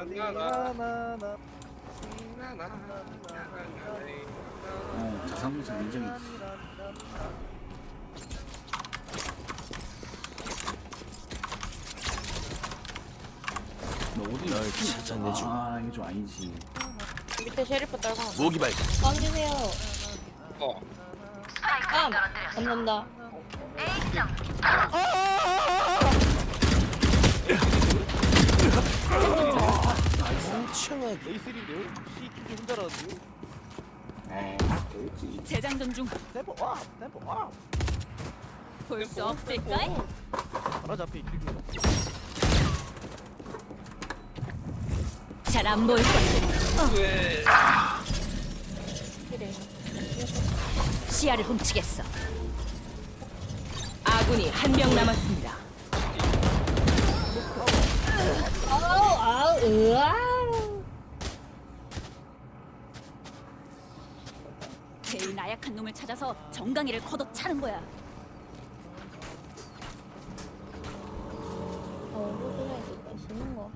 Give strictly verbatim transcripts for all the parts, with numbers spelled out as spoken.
나나나나. 어, 자상무사 굉장히 너 어디 널 찾아내주. 아 이게 좀 아니지. 밑에 셰리프 떨궈. 무기 발견. 깜주세요. 어. 깜. 감사합니다. 멍청하게. 에이슬인데요? C키즈 혼자라는데요? 아 그렇지. 재장전 중. 템포 와! 템포 와! 볼 수 없을까? 잘하자 앞에 이렇게. 잘 안 보일 거야. 왜? 그래. 시야를 훔치겠어. 아군이 한 명 남았습니다. 아우 아우 으아. 제일 나약한 놈을 찾아서 정강이를 걷어차는 거야. 어 호텔에서 맛있는 거.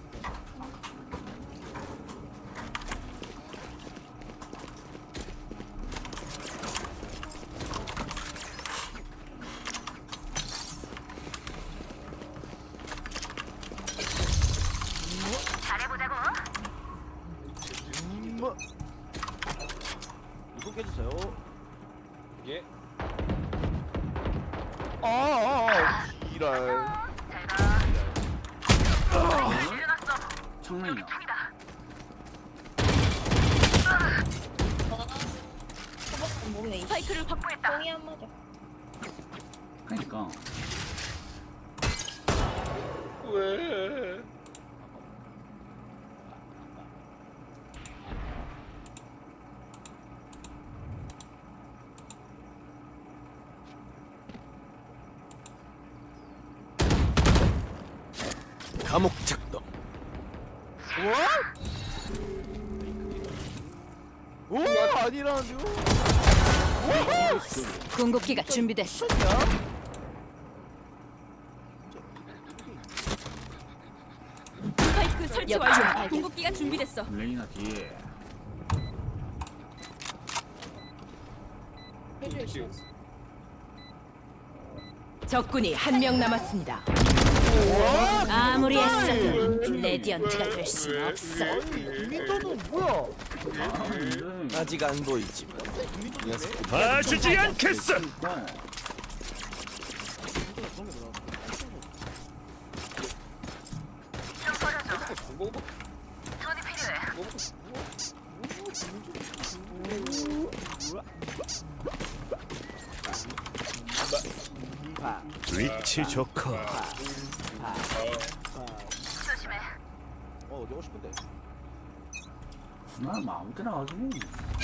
음. 이거 깨주세요. 예. 아, 아, 아. 이랄. 청량이야. 초밥 몸에 이 스파이크를 확보했다. 똥이 안 맞아. 그러니까 왜? 감옥 작동. 오, 아니라는데요? 궁극기가 준비됐어. 스파이크 설치 완료. 궁극기가 준비됐어. 레이나 뒤에. 해줄 수 지금. 있어. 적군이 한 명 남았습니다. 아무리 애써도 레디언트가 될 수는 없어. 아니, 김민철은 뭐야? 아 근데 아직 안 보이지만 녀석 봐주지 않겠어. 그러니까 뭐? 위치 좋고 어, 어디 오고 싶은데? 난 아무 때나 가지. 그만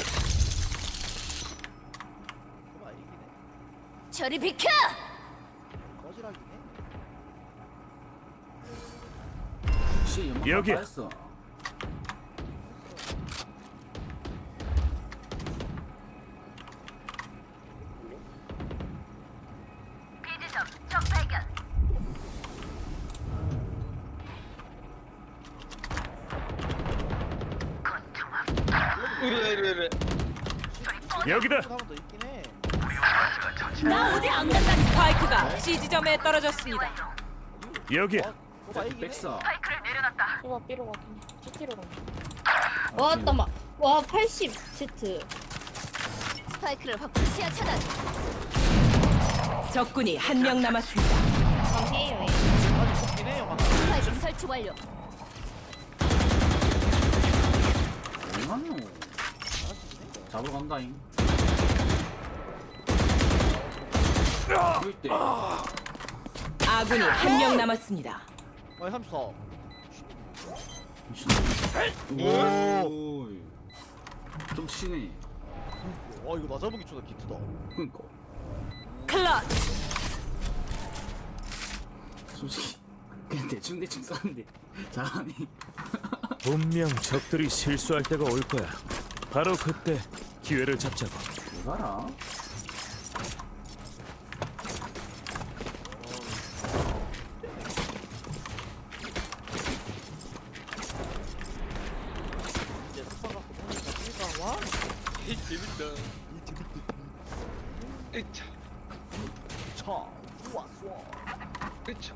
이기네. 저리 비켜! 거지락이네. 씨 연막 여기야. 했어. 이래 이래 이래. 여기다. 한번 더 있긴 해. 나 어디 안 간다. 스파이크가 C 지점에 떨어졌습니다. 여기야. 거봐 이기네. 백사. 초밥 삐로 가긴 해. 지티로 가. 와 잠깐만. 와 팔십 Z. 스파이크를 확보 시야 차단. 적군이 한 명 남았습니다. 강해요. 아직 좋긴 해요. 막. 스파이크 설치 완료. 얼마나 잡으러 간다잉. 때 아군이 한 명 남았습니다. 아, 삼십사. 오. 좀 치네. 와, 이거 나 잡은 게 존나 기트다. 그니까. 클러치. 솔직히 그냥 대충 대충 쐈는데 잘하네. 분명 적들이 실수할 때가 올 거야. 바로 그때 기회를 잡자고. 왜 가라? 이 재밌다. 에차, 차 좋아 좋아 에차.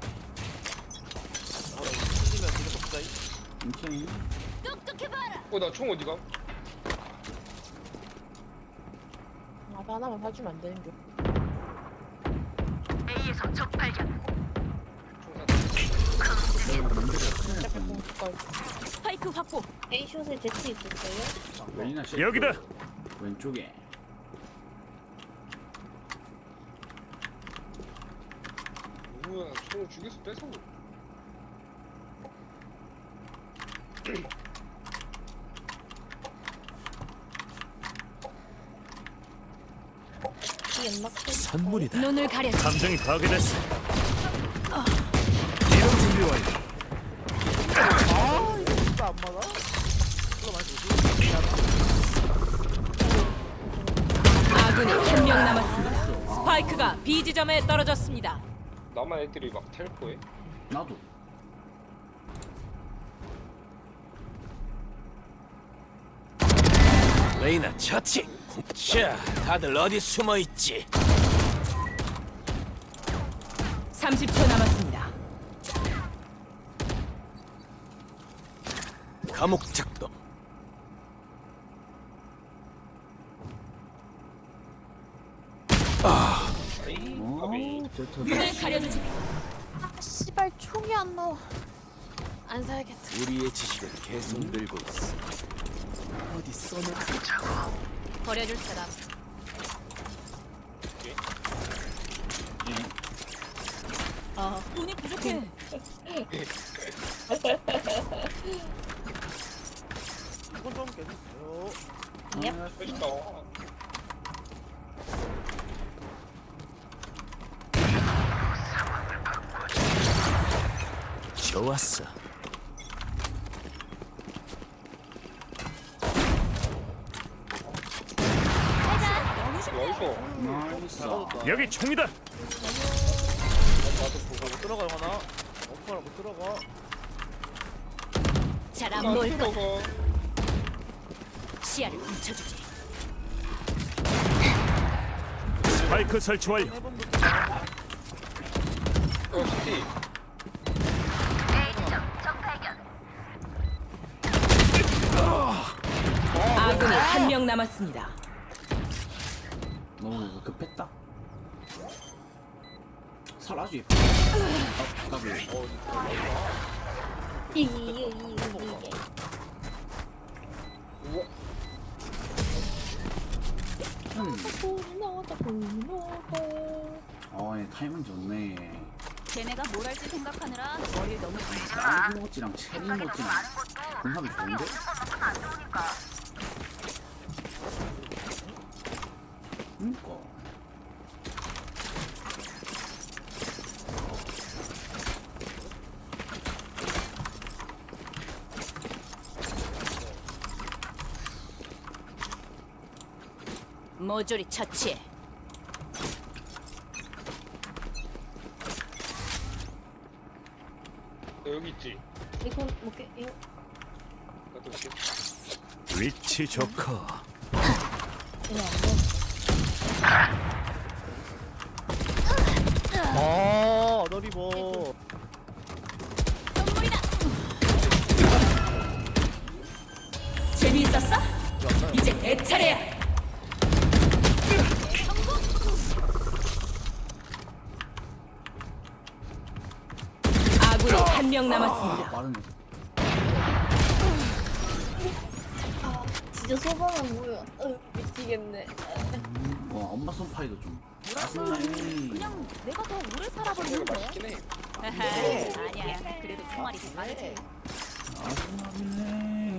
틀리면 되게 먹자이 괜찮니? 어, 나 총 어디가? 아 하나만 사주면 안 되는 게. 총 사. 약간 공격할. 스파이크 확보. A 숏에 제트 있었어요? 웬이나 씨. 여기다. 왼쪽에. 뭐야, 총을 죽여서 뺏어. 이 연막 숏. 선물이다. 눈을 가려줘. 감정이 파괴됐어. 이동 준비 완료. 아 이거 진짜 안 맞아? 이거 많이 아군이 한 명 남았습니다. 스파이크가 B 지점에 떨어졌습니다. 나만 애들이 막 텔포해? 나도. 레이나 처치. 자, 다들 어디 숨어 있지? 삼십 초 남았습니다. 감옥 작동. 에이, 오, 가비. 제트. 눈을 가려주지. 씨발 총이 안 나와. 안 사야겠다. 우리의 지식을 계속 늘고 있어. 어디 써놓? 버려줄 사람. 아 돈이 부족해. 이건 좀 괜찮아요 얍. 맛있다. 좋았어. 어디서? 나이스. 여기 총이다. 나도 보고 못 들어가 영화나 오빠라 못 들어가 잘안 나 보일 거. 들어가. 시야를 훔쳐주지. 스파이크 설치 완료. 해본도 어, 시티. 아군이 한 명 남았습니다. 너무 급했다. 살아지. 아, 까비. 이게 이게 이게. 우와. 음. 고나다 고나다. 어, 얘 타이밍 좋네. 걔네가 뭘 할지 생각하느라 머리를 너무 딸기 모찌랑 체리 모찌랑 궁합이 좋은데? 그니까. 모조리 처치해. 너 여기 있지? 이건 뭐게 이거 나도 이렇게. 위치 좋고. 이거 안 돼. 아 너리버 재미있었어? 이제 내 차례야. 아군이 한 명 남았습니다. 빠르네. 진짜 소방은 뭐야? 어, 미치겠네. 음, 와, 엄마 손파이도 좀. 아슬라이. 그냥 내가 더 오래 내가 살아버리는 거야. 맛있긴 해. 아니야. 그래도 총알이 더 많지. 아슬라이.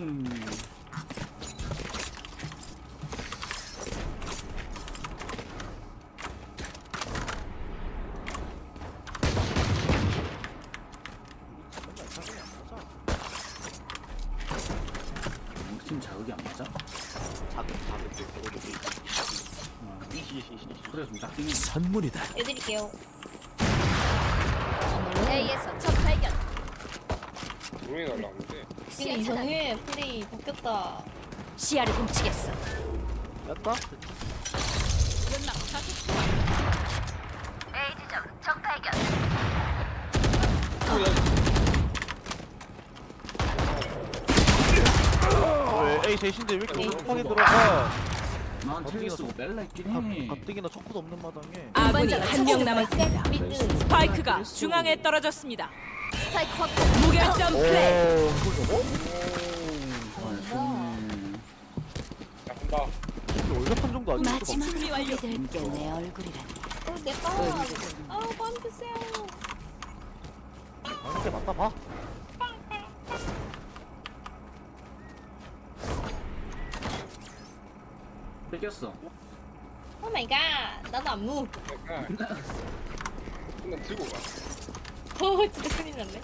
우리 팀 자극이 안 맞아? 자극 자극 아, 그래 좀 작긴 해. 선물이다. 해드릴게요. A에서 첫 발견. 드론이 날라오는데. 근데 이상해. 플레이 바뀌었다. 시야를 훔치겠어. 뺐다? 왜 A 대신데 왜 이렇게 에이. 급하게 들어가? 난 텔레 쓰고 뺄라 했긴 해. 가뜩이나 척구도 없는 마당에. 아군이 한 명 남았습니다. 미드. 스파이크가 중앙에 떨어졌습니다. 스파이크 확. 무결점 플레이. 아, 손. 야 간다. 월급한 정도 아니고 마지막 준비 완료될 게 내 얼굴이라니. 어, 내 거. 아, 빵 드세요. 아닌데 맞다 봐. 뺏겼어. 오 마이 갓. 나도 안무. 그러니까 그냥 들고 가. 어, 진짜 큰일 났네.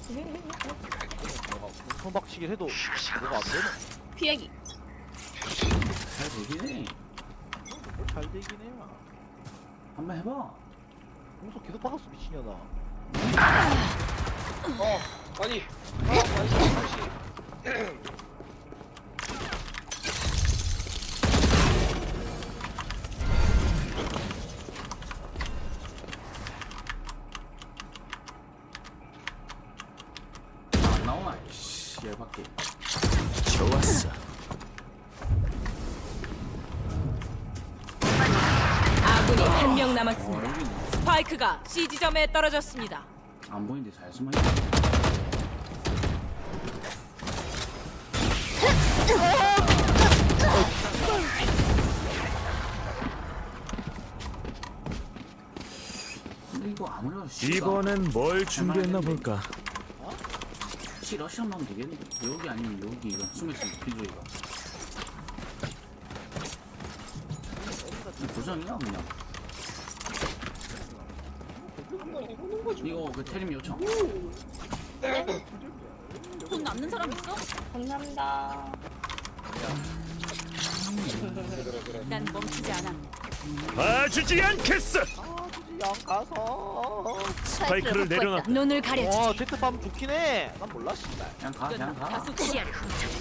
손박치기 해도 뭐가 안 되나? 피하기. 잘 되긴 해. 잘 되긴 해요. 한번 해봐. 공속 계속 박았어 미친년아. 어 아니. 아 아니 혹시. 안 나오나? 씨, 열받게. 좋았어. 아군이 한 명 어, 남았습니다. 여기 스파이크가 C 지점에 떨어졌습니다. 안 보이는데 잘 숨어 있네. 근데 이거 아무래도 C가 이번엔 뭘 준비했나 볼까? C 러시안 나오면 되겠는데 여기 아니면 여기 이거 숨어있으면 비주이가 도전이야 그냥. 이거 그 테림 요청. 돈 남는 사람 있어? 감사합니다. 난 멈추지 않아. 봐주지 않겠어. 양 가서. 스파이크를 내려놔. 눈을 가려주지. 와 제트밤 좋긴 해. 난 몰라 씨발. 그냥 가 그냥 가. 다수 시야를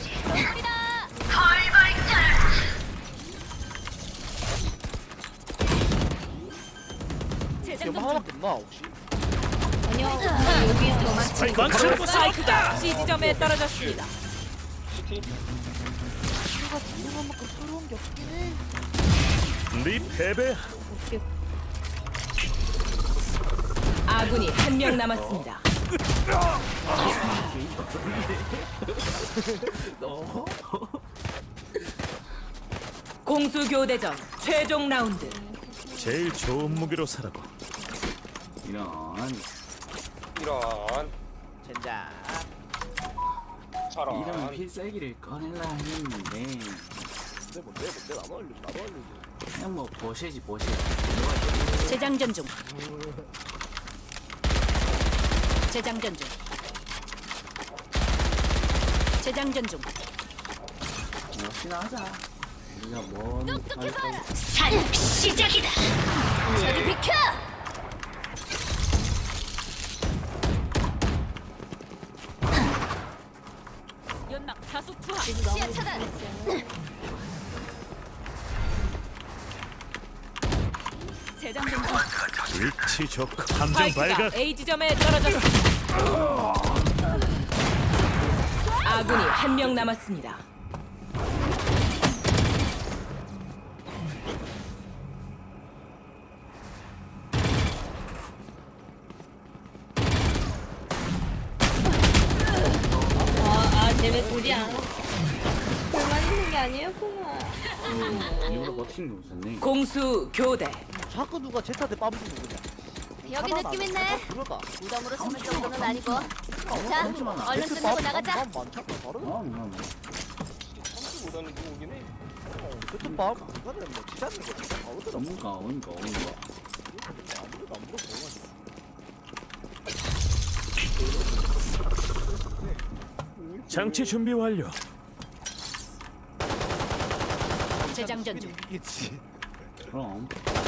이게 뭐 하나밖에 없나 혹시? 아니요. 그냥 여기야. 스파이크 스파이크가 C 지점에 떨어졌습니다. 시티. 내가 진동한만큼 새로운 게 없긴 해. 네 패배. 아군이 한 명 남았습니다. 공수 교대전 최종 라운드. 제일 좋은 무기로 살아고. 이런. 이런. 젠장. 저런. 이런 필살기를 꺼내려 했는데 뭔데 뭔데 뭔데 나도 알려줘 나도 알려줘. 그냥 뭐 버시지 버시. 재장전 중. 재장전 중. 재장전 중. 역시나 하자. 우리가 뭔 산 시작이다. 저리 비켜. 연막 다수 투하. 시야 차단. 재장전 중. 위치 좋고 함정 스파이크가 발각. A 지점에 떨어졌습니다. 아군이 한 명 남았습니다. 아, 아, 쟤네 둘이 안. 불만 있는 게 아니었구나. 이거로 버티는 게 없었네. 공수 교대. 자꾸 누가 제트한테 빰 주고 그냥. 여기 느낌 있네. 그러다. 무덤으로 숨을 정도는 아니고. 자, 잠시만. 얼른 끝내고 나가자. 빰 많잖아 다르다. 어, 뭐, 뭐. 삼수보다는 누구긴 해. 제트밤 그거는 뭐 지자는 거 진짜 바로더라. 뭔가 뭔가 뭔가. 아무래도 안 물어보고. 장치 준비 완료. 재장전 중. 이기겠지. 그럼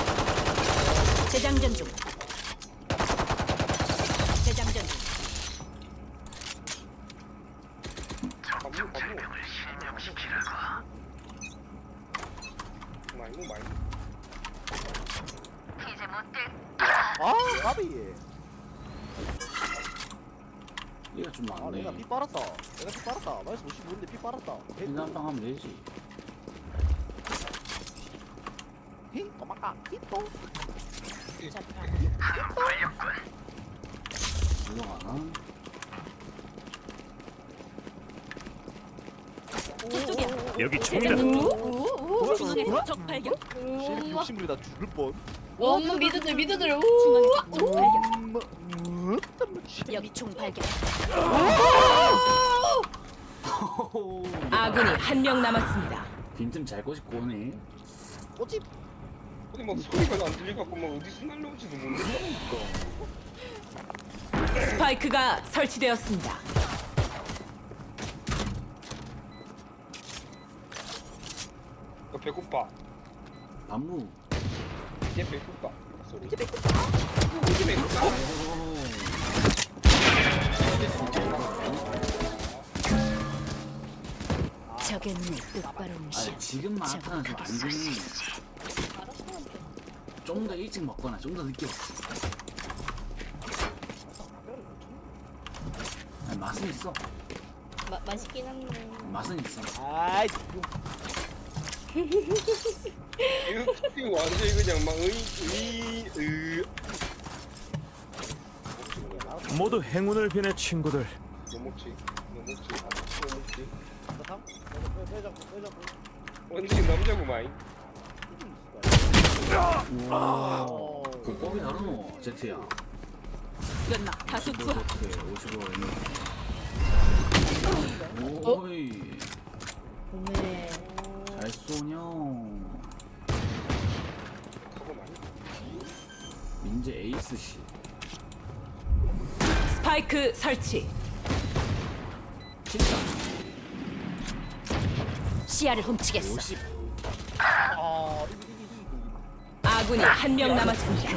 재장전 중. 재장전 중. 반무 반무. 많이 뭐 많이. 아 까비. 얘가 좀 아 많네. 내가 피 빨았다. 내가 피 빨았다. 마이너스 오십오인데 피 빨았다. 한방 하면 되지. 히 꼬마까 히또. 올라가나? 저쪽이야. 여기 총이다. 우우우. 중앙에서 적 발견. 쉐리 욕심부리 나 죽을 뻔. 엄마 미드들 미드들. 우. 중앙에서 적 발견. 음, 음, 여기 총 발견. 호호호. 아군이 한 명 남았습니다. 빈틈 잘 꼬집고 오네. 꼬집. 근데 막 소리가 안 들려갖고 막 어디서 날라올지도 모르겠다니까. 스파이크가 설치되었습니다. 나 배고파. 안무. 이제 배고파. 소리. 이제 배고파. 이제 배고파. 적였네 똑바로 아 무시. 지금 마라탕은 좀 안 주니. 좀 더 일찍 먹거나 좀 더 늦게 먹지. 아니, 맛은 있어. 마, 맛있긴 한데. 맛은 있어. 아이 이거 이거 완전히 그냥 막 의, 의, 의. 모두 행운을 비내 친구들. 뭐 먹지? 뭐 먹지? 뭐 먹지? 삼. 빼잡고 빼잡고. 완전히 남자고 마이. 우와. 어. 그 법이 다르노 제트야. 끝나 다수 투하. 오십오 오. 어? 오이. 네. 잘 쏘냐. 하고 많이. 민재 에이스 씨. 스파이크 설치. 진짜. 시야를 훔치겠어. 오십. 아 이기 이기 이기. 아군이 한 명 남았습니다.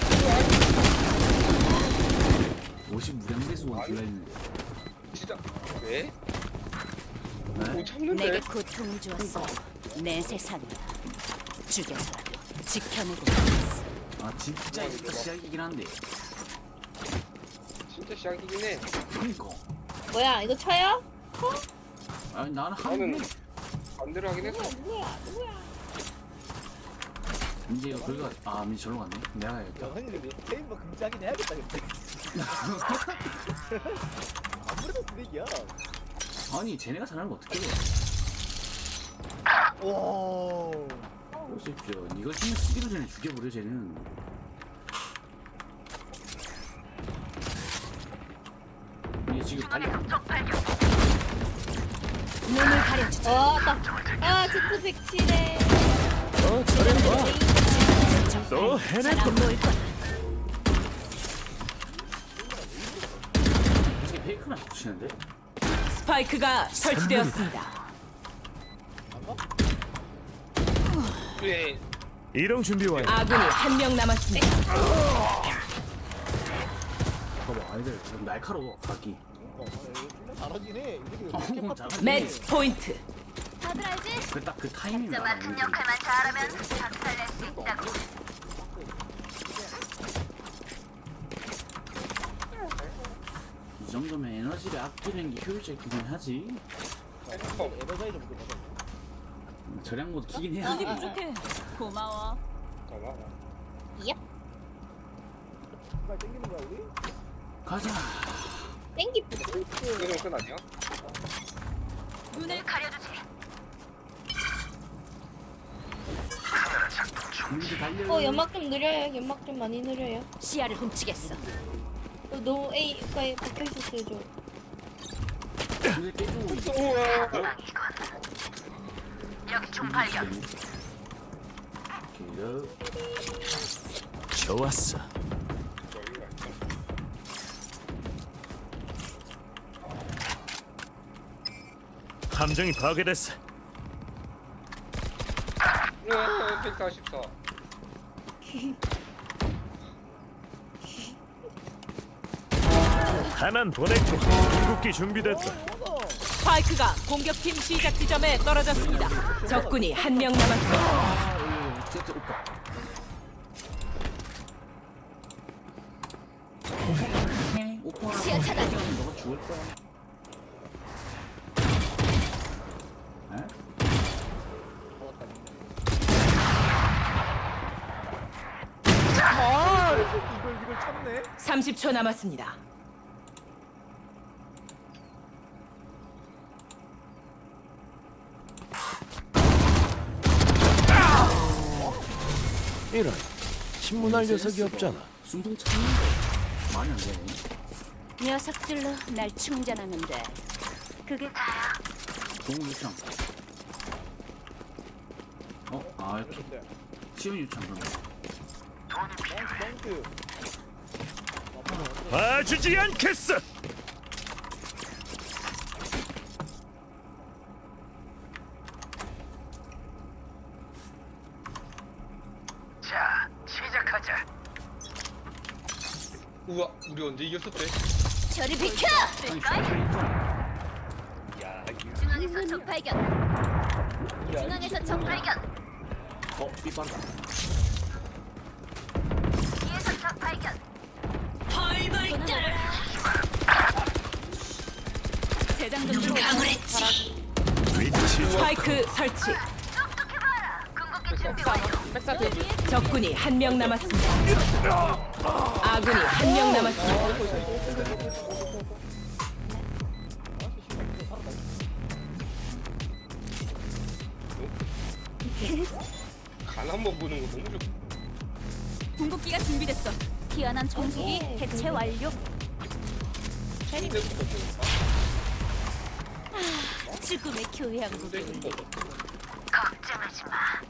오십 무량배수 원 들려 있는데. 진짜 왜? 네? 못 참는데? 내게 고통을 주었어. 내 세상을 죽여서라도 지켜내고 있어. 아 진짜 이거 시작이긴 한데. 진짜 시작이긴 해. 그니까. 뭐야 이거 쳐요? 아니 나는 나는 한. 반대로 하긴 했어. 누구야 누구야? 민재 이거 그거 아 민재 절로 갔네. 내가 가야겠다. 야 형님 게임 뭐 금지하긴 해야겠다 근데. 아무래도 쓰레기야. 아니 쟤네가 잘하는 거 어떻게 해? 와. 그렇죠. 니가 지금 쓰기도 전에 죽여버려 쟤는. 이게 지금 빨리 눈을 가려주지. 와, 나, 아, 제트 백칠에. 어 잘해봐. 또 해낼 안 모일 거야. 어떻게 페이크만 붙이는데? 스파이크가 설치되었습니다. 그래. 이동 준비 완료. 아군이 한 명 남았습니다. 봐봐 아이들 좀 날카로워 각기. 잘하긴 해. 이 새끼 어, 왜 잘하긴 매치 포인트. 다들 알지? 그딱 그 타이밍 각자 맡은 역할만 잘하면 박살낼 수 있다고. 이 정도면 에너지를 아끼는 게 효율적이긴 하지. 에너자이 좀 받아. 절약 모드 키긴 해야 돼. 부족해. 고마워. 잠깐만. 빨리 땡기는 거야 우리? 가자. 땡기. 이거 끝 아니야? 눈을 가려주지. 민재 달려. 어, 연막 좀 느려요. 연막 좀 많이 느려요. 시야를 훔치겠어. 어, 너무 A가에 박혀 있었어요, 저. 민재 깨주고 있어. 우와. 여기 총 발견. 오케이. 좋았어. 함정이 파괴됐어. 우와, 백사십사. 하나는 보냈고 궁극기 준비됐다. 스파이크가 공격팀 시작 지점에 떨어졌습니다. 적군이 한 명 남았습니다. 제트 오빠. 오빠랑 시야 차단. 너가 죽을 거야. 에? 아 이걸 이걸 참네. 삼십 초 남았습니다. 이런 신문할 녀석이 없잖아. 순풍 참는데 말이 안 되네. 녀석들로 날 충전하면 돼. 그게 동물 유창. 어? 아 이렇게 시온 유창 그런 거. 덩크. 봐주지 않겠어. 우와 우리 언제 이겼었대? 저리 비켜. 아니 슈퍼 있잖아. 야 중앙에서 적 발견. 야, 중앙에서 적 발견. 어? 삐빠르다. 뒤에서 적 발견. 펄벌 떨어라. 재장전 중. 위치 스파이크 설치. 똑똑해봐라. 궁극기 준비 완료. 적군이 한 명 남았습니다. 아군이 한 명 남았습니다. 간 한번 보는 거 너무 좋고. 궁극기가 준비됐어. 희한한 정수기 해체 완료. 침대부터 좋다. 죽음의 교양국인데. 걱정하지 마.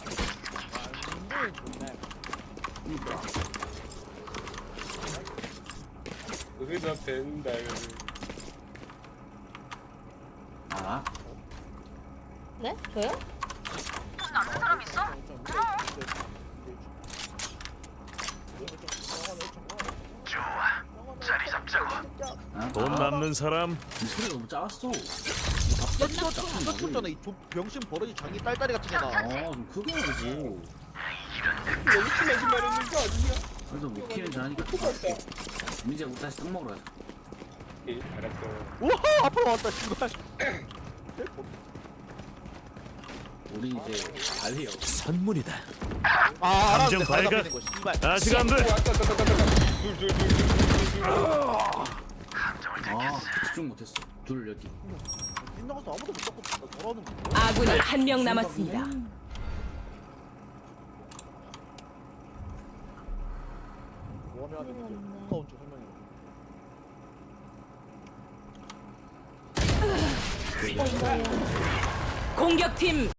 의사 된다. 아? 네? 저요? 남는 사람 있어? 아? 돈 남는 사람 이 소리가 너무 작았어. 이거 쳤잖아. 이 조- 병신 버러지 장이 딸딸이 같은 게나. 어좀 크게 해야지. 너무 심하게 말했는 거 아니야? 그래도 못 키는 줄 아니까. 민재 우리 다시 떡 먹으러 가자. 예 알았어. 우와 앞으로 왔다 씨발. 우리 이제 달래요. 선물이다. 아 감정 알았네. 발각. 발각되는 거, 씨발. 아직 안 돼. 왔다 왔다 왔다 왔다. 둘둘둘둘둘. 아 집중 못했어. 둘 여기. 빗나가서 아무도 못 잡고 돌아오는 거. 아군이 한 명 남았습니다. 뭐하면 하면 가까운 쪽 설명해. 공격팀